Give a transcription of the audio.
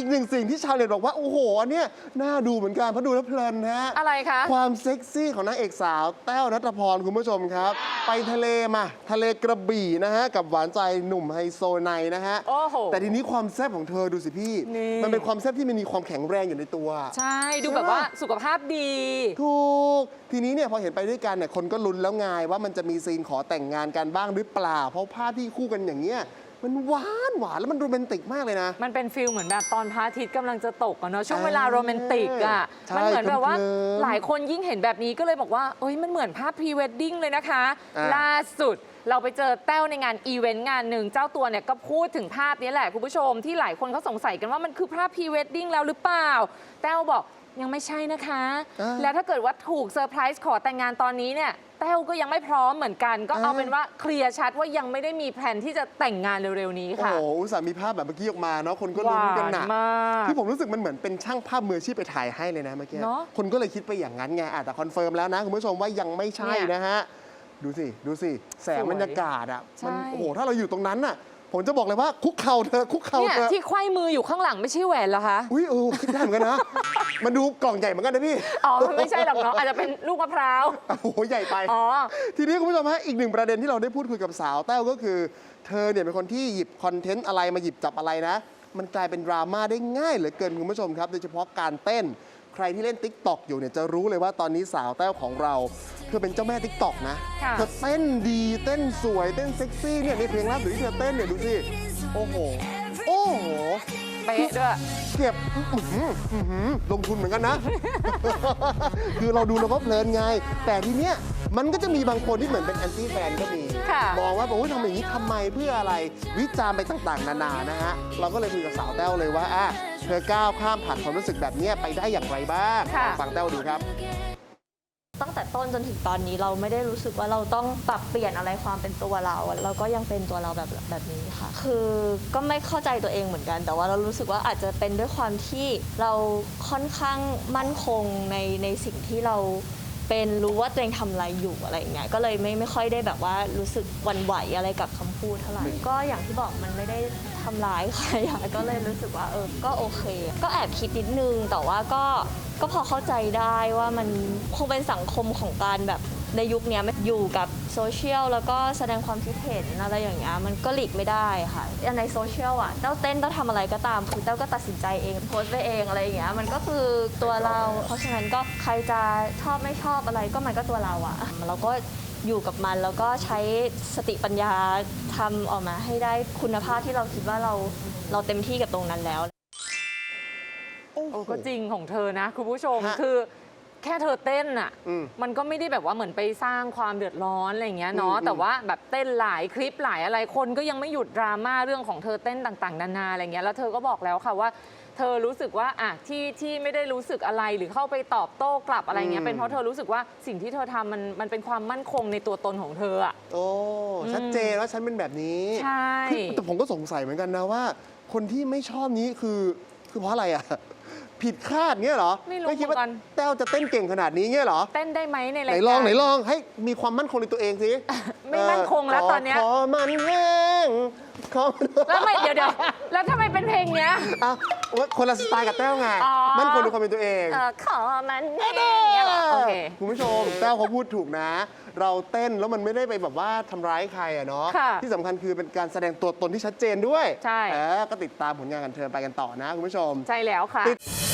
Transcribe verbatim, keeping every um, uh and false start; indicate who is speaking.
Speaker 1: หนึ่งสิ่งที่ชาวเน็ตบอกว่าโอ้โหอันเนี้ยน่าดูเหมือนกันเพราะดูแล้วเพลินฮะ
Speaker 2: อะไรคะ
Speaker 1: ความเซ็กซี่ของนางเอกสาวแต้วณัฐพรคุณผู้ชมครับไปทะเลมาทะเลกระบี่นะฮะกับหวานใจหนุ่มไฮโซไนนะฮะ
Speaker 2: โอ้โห
Speaker 1: แต่ทีนี้ความแซ่บของเธอดูสิพี่มันเป็นความแซ่บที่มันมีความแข็งแรงอยู่ในตัว
Speaker 2: ใช่ดูแบบว่าสุขภาพดี
Speaker 1: ถูกทีนี้เนี่ยพอเห็นไปด้วยกันเนี่ยคนก็ลุ้นแล้วไงว่ามันจะมีซีนขอแต่งงานกันบ้างหรือเปล่าเพราะภาพที่คู่กันอย่างเงี้ยมันหวานหวานแล้วมันโรแมนติกมากเลยนะ
Speaker 2: มันเป็นฟิลเหมือนแบบตอนพระอาทิตย์กำลังจะตกอะเนาะช่วงเวลาโรแมนติกอะมันเหมือนแบบว่าหลายคนยิ่งเห็นแบบนี้ก็เลยบอกว่าเอ้ยมันเหมือนภาพพรีเวดดิ้งเลยนะคะล่าสุดเราไปเจอแต้วในงานอีเวนต์งานหนึ่งเจ้าตัวเนี่ยก็พูดถึงภาพนี้แหละคุณผู้ชมที่หลายคนเขาสงสัยกันว่ามันคือภาพพรีเวดดิ้งแล้วหรือเปล่าแต้วบอกยังไม่ใช่นะคะแล้วถ้าเกิดว่าถูกเซอร์ไพรส์ขอแต่งงานตอนนี้เนี่ยแต้วก็ยังไม่พร้อมเหมือนกันก็เอาเป็นว่าเคลียร์ชัดว่ายังไม่ได้มีแผนที่จะแต่งงานเร็วๆนี้ค่ะ
Speaker 1: โอ้โหอุตส่าห์มีภาพแบบเมื่อกี้ออกมาเนาะคนก็ลุ้นกันหนักที่ผมรู้สึกมันเหมือนเป็นช่างภาพมืออาชีพไปถ่ายให้เลยนะเมื่อกี้คนก็เลยคิดไปอย่างนั้นไงแต่คอนเฟิร์มแล้วนะคุณผู้ชมว่ายังไม่ใช่นะฮะดูสิดูสิแสงบรรยากาศอ่ะมันโอ้โหถ้าเราอยู่ตรงนั้นน่ะผมจะบอกเลยว่าคุกเข่าเธอคุกเข่าเธอ
Speaker 2: ที่ไขว้มืออยู่ข้างหลังไม่ใช่แหวนเหรอคะ
Speaker 1: อุ้ยเออคิดได้เหมือนกันนะมันดูกล่องใหญ่เหมือนกันนะพี่
Speaker 2: อ๋อไม่ใช่หรอกเนาะอาจจะเป็นลูกมะพร้าว
Speaker 1: โอ้โหใหญ่ไป
Speaker 2: อ๋อ
Speaker 1: ทีนี้คุณผู้ชมฮะอีกหนึ่งประเด็นที่เราได้พูดคุยกับสาวแต้วก็คือเธอเนี่ยเป็นคนที่หยิบคอนเทนต์อะไรมาหยิบจับอะไรนะมันกลายเป็นดราม่าได้ง่ายเหลือเกินคุณผู้ชมครับโดยเฉพาะการเต้นใครที่เล่น ติ๊กต็อก อยู่เนี่ยจะรู้เลยว่าตอนนี้สาวแต้วของเราเธอเป็นเจ้าแม่ ติ๊กต็อก นะเธอเต้นดีเต้นสวยเต้นเซ็กซี่เนี่ยในเพลงล่าสุดที่เธอเต้นเนี่ยดูสิโอ้โหโอ้โห
Speaker 2: เป๊ะด้วย
Speaker 1: เก็บลงทุนเหมือนกันนะ คือเราดูเราก็เพลินไงแต่ทีเนี้ยมันก็จะมีบางคนที่เหมือนเป็นแอนตี้แฟนก็มีมองว่าโอ้ยทำอย่างนี้ทำไมเพื่ออะไรวิจารณ์ไปต่างๆนานานะฮะเราก็เลยคุยกับสาวแต้วเลยว่าอ่ะเธอก้าวข้ามผ่านความรู้สึกแบบนี้ไปได้อย่างไรบ้างฟังแต้วดูครับ
Speaker 3: ตั้งแต่ต้นจนถึงตอนนี้เราไม่ได้รู้สึกว่าเราต้องปรับเปลี่ยนอะไรความเป็นตัวเราเราก็ยังเป็นตัวเราแบบแบบนี้ค่ะคือก็ไม่เข้าใจตัวเองเหมือนกันแต่ว่าเรารู้สึกว่าอาจจะเป็นด้วยความที่เราค่อนข้างมั่นคงในในสิ่งที่เราเป็นรู้ว่าตัวเองทำอะไรอยู่อะไรอย่างเงี้ยก็เลยไม่ไม่ค่อยได้แบบว่ารู้สึกหวั่นไหวอะไรกับคำพูดเท่าไหร่ก็อย่างที่บอกมันไม่ได้ทำร้ายใครก็เลยรู้สึกว่าเออก็โอเคก็แอบคิดนิดนึงแต่ว่าก็ก็พอเข้าใจได้ว่ามันคงเป็นสังคมของการแบบในยุคนี้มันอยู่กับโซเชียลแล้วก็แสดงความคิดเห็นอะไรอย่างเงี้ยมันก็หลีกไม่ได้ค่ะในโซเชียลอ่ะเต้าเต้นเต้าทำอะไรก็ตามคือเต้าก็ตัดสินใจเองโพสต์ไปเองอะไรอย่างเงี้ยมันก็คือตัวเราเพราะฉะนั้นก็ใครจะชอบไม่ชอบอะไรก็มันก็ตัวเราอ่ะเราก็อยู่กับมันแล้วก็ใช้สติปัญญาทำออกมาให้ได้คุณภาพที่เราคิดว่าเราเราเต็มที่กับตรงนั้นแล้ว
Speaker 2: โอ้ก็จริงของเธอนะคุณผู้ชมคือแค่เธอเต้นอ่ะมันก็ไม่ได้แบบว่าเหมือนไปสร้างความเดือดร้อนอะไรอย่างเงี้ยเนาะแต่ว่าแบบเต้นหลายคลิปหลายอะไรคนก็ยังไม่หยุดดราม่าเรื่องของเธอเต้นต่างๆนานาอะไรเงี้ยแล้วเธอก็บอกแล้วค่ะว่าเธอรู้สึกว่าอ่ะที่ที่ไม่ได้รู้สึกอะไรหรือเข้าไปตอบโต้กลับอะไรเงี้ยเป็นเพราะเธอรู้สึกว่าสิ่งที่เธอทำมันมันเป็นความมั่นคงในตัวตนของเธออ่ะ
Speaker 1: โอ้ชัดเจนว่าฉันเป็นแบบนี้
Speaker 2: ใช่
Speaker 1: แต่ผมก็สงสัยเหมือนกันนะว่าคนที่ไม่ชอบนี้คือคือเพราะอะไรอ่ะผิดคาดเงี้ยเหรอ
Speaker 2: ไม่รู้เหมือนกัน
Speaker 1: แต้วจะเต้นเก่งขนาดนี้เงี้ยเหรอ
Speaker 2: เต้นได้ไหมในรายการ
Speaker 1: ไหนลองไหนลองให้มีความมั่นคงในตัวเองสิ
Speaker 2: ไม่มั่นคงแล้วตอนเนี้ย
Speaker 1: ขอมันแห้งขอ
Speaker 2: แล้วไม่เดี๋ยวเดี๋ยวแล้วทำไมเป็นเพลงเนี้ย
Speaker 1: อ่ะคนละสไตล์กับแต้วไงมั่นคงในความเป็นตัวเอง
Speaker 2: ขอมันแห้งโอเค
Speaker 1: คุณผู้ชมแต้วเขาพูดถูกนะเราเต้นแล้วมันไม่ได้ไปแบบว่าทำร้ายใครอะเนาะที่สำคัญคือเป็นการแสดงตัวตนที่ชัดเจนด้วย
Speaker 2: ใช่
Speaker 1: ก็ติดตามผลงานกันเธอไปกันต่อนะคุณผู้ชม
Speaker 2: ใช่แล้วค่ะ